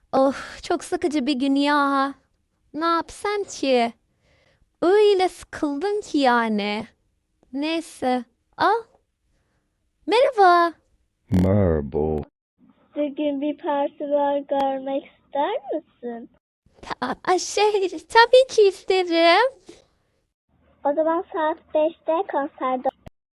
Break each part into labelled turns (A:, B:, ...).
A: Of, çok sıkıcı bir gün ya. Ne yapsam ki? Öyle sıkıldım ki yani. Neyse. Al. Merhaba.
B: Merhaba.
C: Bugün bir parti var, görmek ister misin?
A: Tabii ki isterim.
C: O zaman saat 5'te konserde.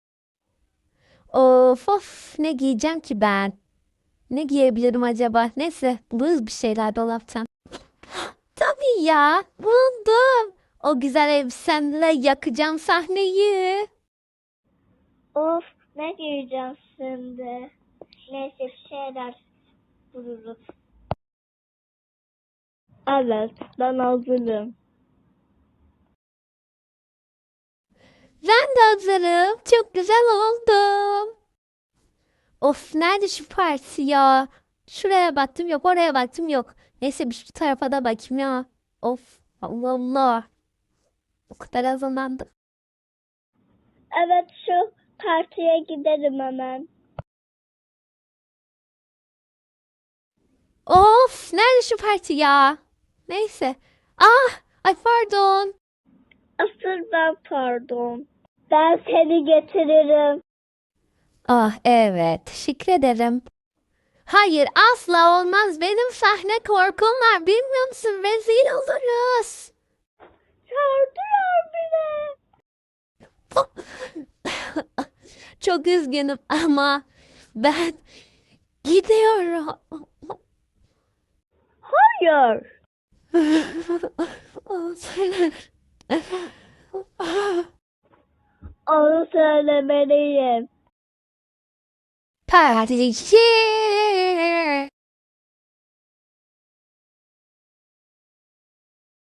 A: Of, ne giyeceğim ki ben? Ne giyebilirim acaba? Neyse, buluruz bir şeyler dolaptan. Tabii ya, buldum. O güzel elbisemle yakacağım sahneyi.
C: Of, ne giyeceğim şimdi? Neyse, bir şeyler buluruz. Evet, ben hazırım.
A: Ben de hazırım. Çok güzel oldum. Of, nerede şu parti ya? Şuraya baktım yok, oraya baktım yok. Neyse bir şu tarafa da bakayım ya. Of, Allah Allah. O kadar hazırlandım.
C: Evet, şu partiye giderim hemen.
A: Of, nerede şu parti ya? Neyse. Ay pardon.
C: Asıl ben pardon. Ben seni getiririm.
A: Evet, teşekkür ederim. Hayır, asla olmaz. Benim sahne korkum var. Bilmiyor musun? Rezil oluruz.
C: Çağırdılar bile.
A: Çok üzgünüm ama ben gidiyorum.
C: Hayır. Onu söylemeliyim.
A: Parti